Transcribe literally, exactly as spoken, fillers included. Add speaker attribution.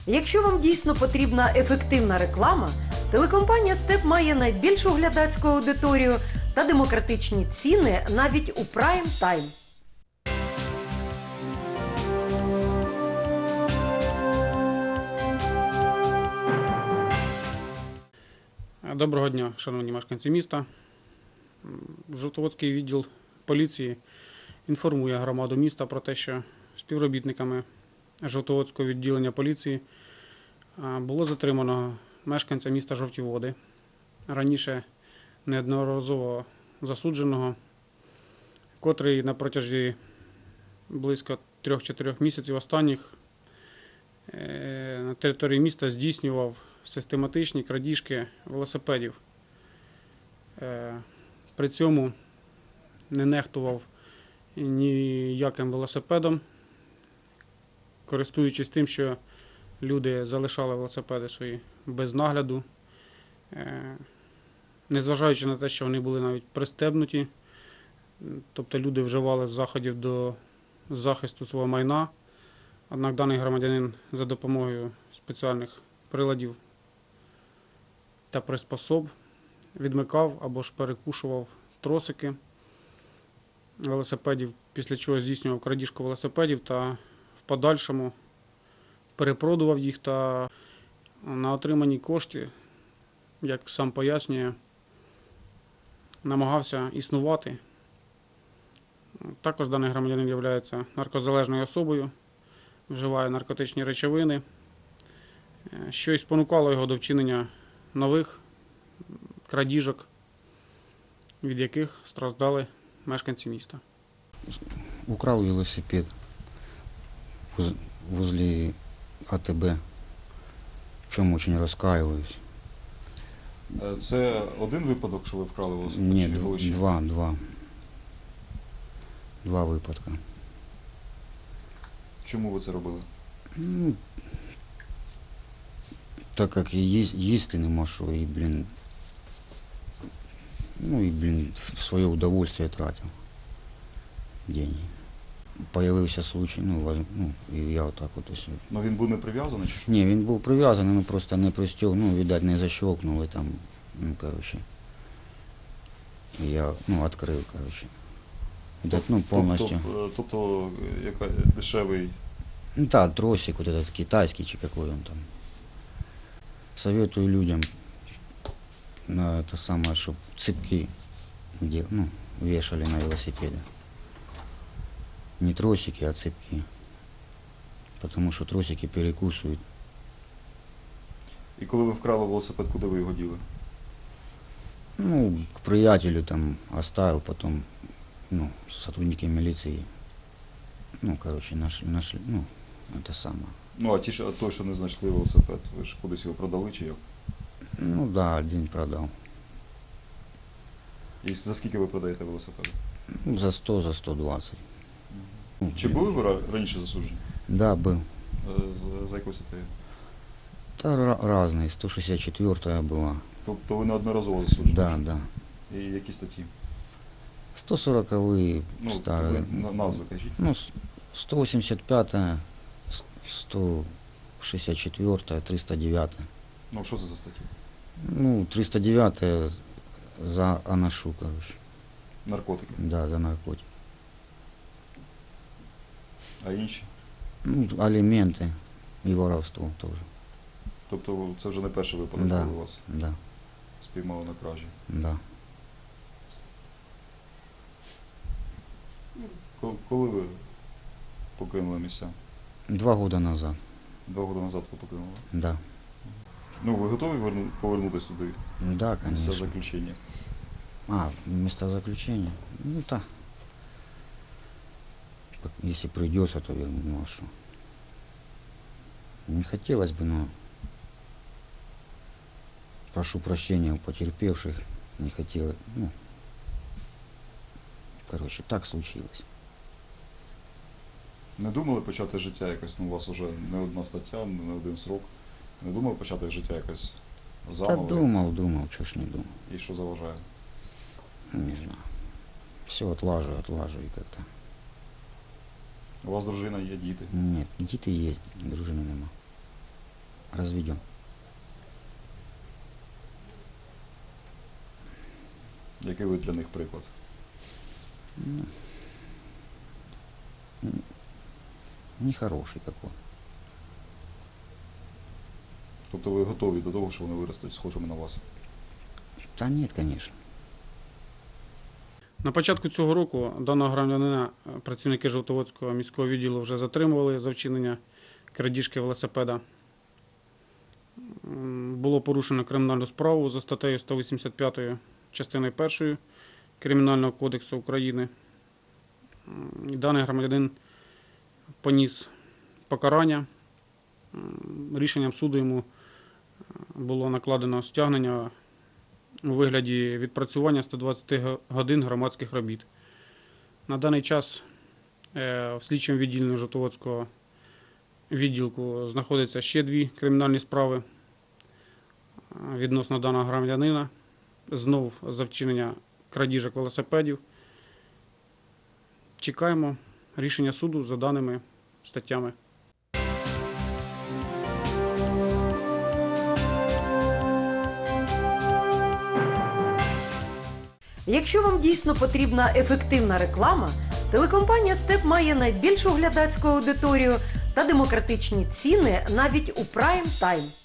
Speaker 1: Якщо вам дійсно потрібна ефективна реклама, телекомпанія «Степ» має найбільшу глядацьку аудиторію та демократичні ціни навіть у прайм-тайм.
Speaker 2: Доброго дня, шановні мешканці міста. Жовтоводський відділ поліції інформує громаду міста про те, що співробітниками Жовтоводського відділення поліції було затримано мешканця міста Жовті Води, раніше неодноразово засудженого, котрий на протязі близько трьох-чотирьох місяців останніх на території міста здійснював систематичні крадіжки велосипедів. При цьому не нехтував ніяким велосипедом, користуючись тим, що люди залишали велосипеди свої без нагляду, незважаючи на те, що вони були навіть пристебнуті, тобто люди вживали заходів до захисту свого майна, однак даний громадянин за допомогою спеціальних приладів та приспособ відмикав або ж перекушував тросики велосипедів, після чого здійснював крадіжку велосипедів та в подальшому перепродував їх та на отримані кошти, як сам пояснює, намагався існувати. Також даний громадянин є наркозалежною особою, вживає наркотичні речовини, що й спонукало його до вчинення нових крадіжок, від яких страждали мешканці міста.
Speaker 3: Украл велосипед возле А Т Б, в чому дуже розкаююсь.
Speaker 4: Це один випадок, що ви вкрали велосипед?
Speaker 3: Ні,
Speaker 4: чи було ще?
Speaker 3: два, два. Два випадки.
Speaker 4: Чому ви це робили?
Speaker 3: Ну, так як і їс- їсти нема що, і, блін, ну і, блін, в своє удовольствие тратив деньги. Появився случай, ну, воз- ну і я отак от ось.
Speaker 4: Ну він був не прив'язаний чи що?
Speaker 3: Ні, він був прив'язаний, ну просто не пристьог, ну, видать, не защелкнули там, ну, короче. І я, ну, відкрив, короче. Видать, ну, повністю.
Speaker 4: Тобто, тобто яка дешевий.
Speaker 3: Ну да, тросик вот этот китайский, чи какой он там. Советую людям на это самое, чтобы цепки где, ну, вешали на велосипеды. Не тросики, а цепки. Потому что тросики перекусывают.
Speaker 4: І коли ви вкрали велосипед, куди ви його діли?
Speaker 3: Ну, к приятелю там оставил, потом, ну, сотрудники милиции, ну, короче, нашли, нашли, ну, это самое.
Speaker 4: Ну, а ті, що, той, що не знайшли велосипед, ви ж кудись його продали чи як?
Speaker 3: Ну да, один продал.
Speaker 4: І за скільки ви продаєте велосипеди?
Speaker 3: Ну, за сто, за сто двадцать. Ну,
Speaker 4: Чи були ви ра- раніше засуджені?
Speaker 3: Да, был.
Speaker 4: Е, За, за якусь статтею?
Speaker 3: Да, ра- разные. сто шестьдесят четвёртая была.
Speaker 4: Тобто ви неодноразово засуджені?
Speaker 3: Да, да.
Speaker 4: І які статті?
Speaker 3: сто сороковые
Speaker 4: Ну,
Speaker 3: старые.
Speaker 4: ви на- назви кажіть.
Speaker 3: Ну, с- сто восемьдесят пятая, с- сто шестьдесят четвёртая, триста девятая.
Speaker 4: Ну, що це за статті?
Speaker 3: Ну, триста девятая за аношу, короче.
Speaker 4: Наркотики.
Speaker 3: Да, за наркотик.
Speaker 4: А інші?
Speaker 3: Ну, алименты и воровство тоже.
Speaker 4: Тобто це вже не перший випадок,
Speaker 3: Да,
Speaker 4: коли вас
Speaker 3: да,
Speaker 4: спіймали на кражі.
Speaker 3: да.
Speaker 4: Коли, коли ви покинули місця?
Speaker 3: Два года назад,
Speaker 4: Два роки назад ви покинули?
Speaker 3: да.
Speaker 4: Ну, ви готові верну- повернутися туди?
Speaker 3: Да,
Speaker 4: Місця
Speaker 3: конечно.
Speaker 4: заключення?
Speaker 3: А, места заключения? Ну, да. Если придется, то верну, ну а что? Не хотелось бы, но прошу прощения у потерпевших, не хотелось, ну, короче, так случилось.
Speaker 4: Не думали почати життя якось, ну у вас вже не одна стаття, не один срок. Не думали почати життя якось
Speaker 3: Да
Speaker 4: заново?
Speaker 3: думал, думал, что ж не думал,
Speaker 4: І що заважає?
Speaker 3: не знаю. Все отлаживаю, отлаживаю как-то.
Speaker 4: У вас дружина є, діти.
Speaker 3: Нет, діти есть, дружини нема. разведен.
Speaker 4: Який ви для них приклад?
Speaker 3: Нехороший какой.
Speaker 4: Тобто ви готові до того, що вони виростуть схожими на вас?
Speaker 3: Да нет, конечно.
Speaker 2: На початку цього року даного громадянина е, працівники Жовтоводського міського відділу вже затримували за вчинення крадіжки велосипеда. М, Було порушено кримінальну справу за статтею сто вісімдесят п'ять частиною першою Кримінального кодексу України. М, і Даний громадянин поніс покарання. М, Рішенням суду йому е, було накладено стягнення у вигляді відпрацювання сто двадцять годин громадських робіт. На даний час е, в слідчому відділенні Жовтоводського відділку знаходяться ще дві кримінальні справи е, відносно даного громадянина. Знов за вчинення крадіжок велосипедів. Чекаємо рішення суду за даними статтями.
Speaker 1: Якщо вам дійсно потрібна ефективна реклама, телекомпанія «Степ» має найбільшу глядацьку аудиторію та демократичні ціни навіть у прайм-тайм.